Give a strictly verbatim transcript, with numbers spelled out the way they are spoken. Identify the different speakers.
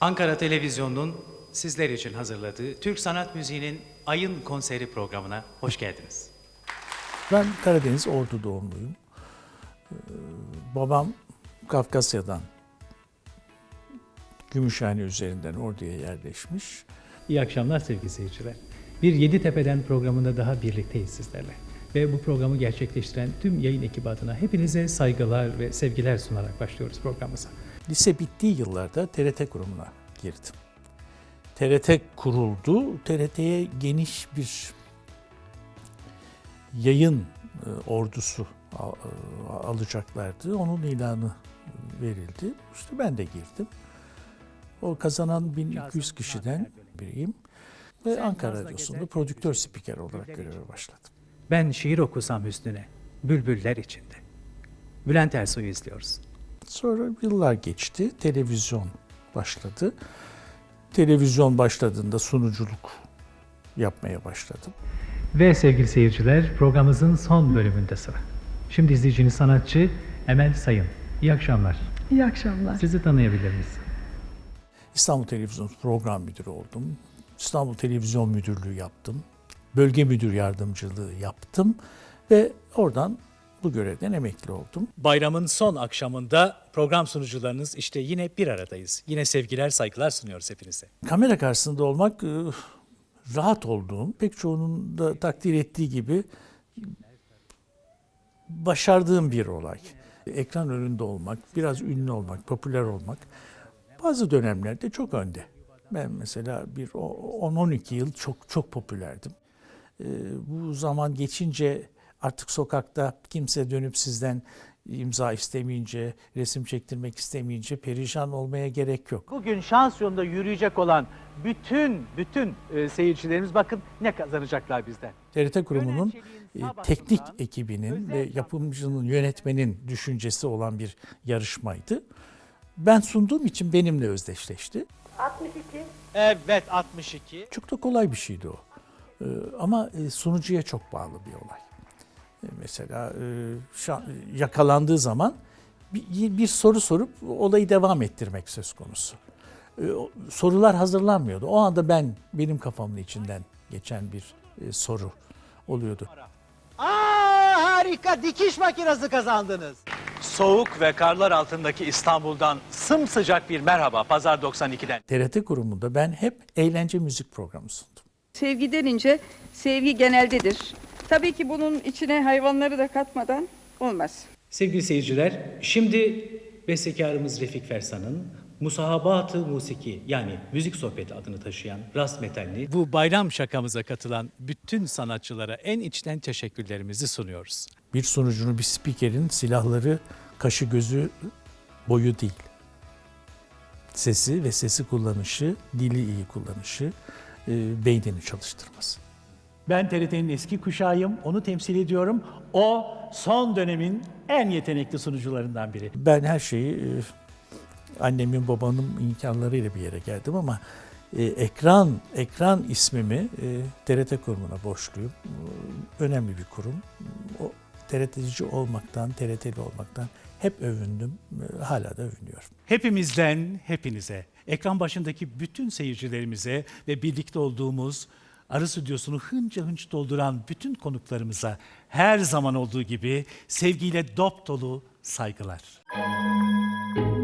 Speaker 1: Ankara Televizyonu'nun sizler için hazırladığı Türk Sanat Müziği'nin Ayın Konseri programına hoş geldiniz.
Speaker 2: Ben Karadeniz Ordu doğumluyum. Ee, babam Kafkasya'dan, Gümüşhane üzerinden Ordu'ya yerleşmiş.
Speaker 3: İyi akşamlar sevgili seyirciler. Bir Yeditepe'den programında daha birlikteyiz sizlerle. Ve bu programı gerçekleştiren tüm yayın ekibi adına hepinize saygılar ve sevgiler sunarak başlıyoruz programımıza.
Speaker 2: Lise bittiği yıllarda T R T kurumuna girdim. T R T kuruldu. T R T'ye geniş bir yayın ordusu alacaklardı. Onun ilanı verildi. İşte ben de girdim. O kazanan bin iki yüz kişiden biriyim. Ve Ankara Radyosu'nda prodüktör spiker olarak göreve başladım.
Speaker 1: Ben şiir okusam hüsnüne, bülbüller içinde. Bülent Ersoy'u izliyoruz.
Speaker 2: Sonra yıllar geçti, televizyon başladı. Televizyon başladığında sunuculuk yapmaya başladım.
Speaker 3: Ve sevgili seyirciler, programımızın son bölümünde sıra. Şimdi izleyiciniz sanatçı Emel Sayın. İyi akşamlar.
Speaker 4: İyi akşamlar.
Speaker 3: Sizi tanıyabilir miyiz?
Speaker 2: İstanbul Televizyon Program Müdürü oldum. İstanbul Televizyon Müdürlüğü yaptım. Bölge Müdür Yardımcılığı yaptım ve oradan bu görevden emekli oldum.
Speaker 1: Bayramın son akşamında program sunucularınız işte yine bir aradayız. Yine sevgiler, saygılar sunuyoruz hepinize.
Speaker 2: Kamera karşısında olmak rahat olduğum, pek çoğunun da takdir ettiği gibi başardığım bir olay. Ekran önünde olmak, biraz ünlü olmak, popüler olmak bazı dönemlerde çok önde. Ben mesela bir on on iki yıl çok çok popülerdim. Bu zaman geçince artık sokakta kimse dönüp sizden imza istemeyince, resim çektirmek istemeyince perişan olmaya gerek yok.
Speaker 5: Bugün şans yolunda yürüyecek olan bütün bütün e, seyircilerimiz bakın ne kazanacaklar bizden.
Speaker 2: T R T kurumunun e, teknik ekibinin ve yapımcının, yönetmenin düşüncesi olan bir yarışmaydı. Ben sunduğum için benimle özdeşleşti.
Speaker 4: altmış iki.
Speaker 5: Evet altmış iki.
Speaker 2: Çok da kolay bir şeydi o. Ee, ama e, sunucuya çok bağlı bir olay. E, mesela e, şa- yakalandığı zaman bir, bir soru sorup olayı devam ettirmek söz konusu. E, o, sorular hazırlanmıyordu. O anda ben benim kafamın içinden geçen bir e, soru oluyordu.
Speaker 5: Aa harika, dikiş makinesi kazandınız. Soğuk ve karlar altındaki İstanbul'dan sımsıcak bir merhaba Pazar doksan iki'den.
Speaker 2: T R T kurumunda ben hep eğlence müzik programı sundum.
Speaker 4: Sevgi denince sevgi geneldedir. Tabii ki bunun içine hayvanları da katmadan olmaz.
Speaker 3: Sevgili seyirciler, şimdi bestekarımız Refik Fersan'ın Musahabat-ı Musiki yani müzik sohbeti adını taşıyan Rast Metalli
Speaker 1: Bu bayram şakamıza katılan bütün sanatçılara en içten teşekkürlerimizi sunuyoruz.
Speaker 2: Bir sunucunun, bir spikerin silahları kaşı gözü boyu değil. Sesi ve sesi kullanışı, dili iyi kullanışı, e, beynini çalıştırması.
Speaker 6: Ben T R T'nin eski kuşağıyım, onu temsil ediyorum. O son dönemin en yetenekli sunucularından biri.
Speaker 2: Ben her şeyi e, annemin babamın imkanlarıyla bir yere geldim ama e, ekran ekran ismimi e, T R T kurumuna borçluyum. E, önemli bir kurum. O T R T'ci olmaktan, T R T'li olmaktan hep övündüm. E, hala da övünüyorum.
Speaker 6: Hepimizden hepinize, ekran başındaki bütün seyircilerimize ve birlikte olduğumuz Arı Stüdyosu'nu hınca hınç dolduran bütün konuklarımıza her zaman olduğu gibi sevgiyle dop dolu saygılar.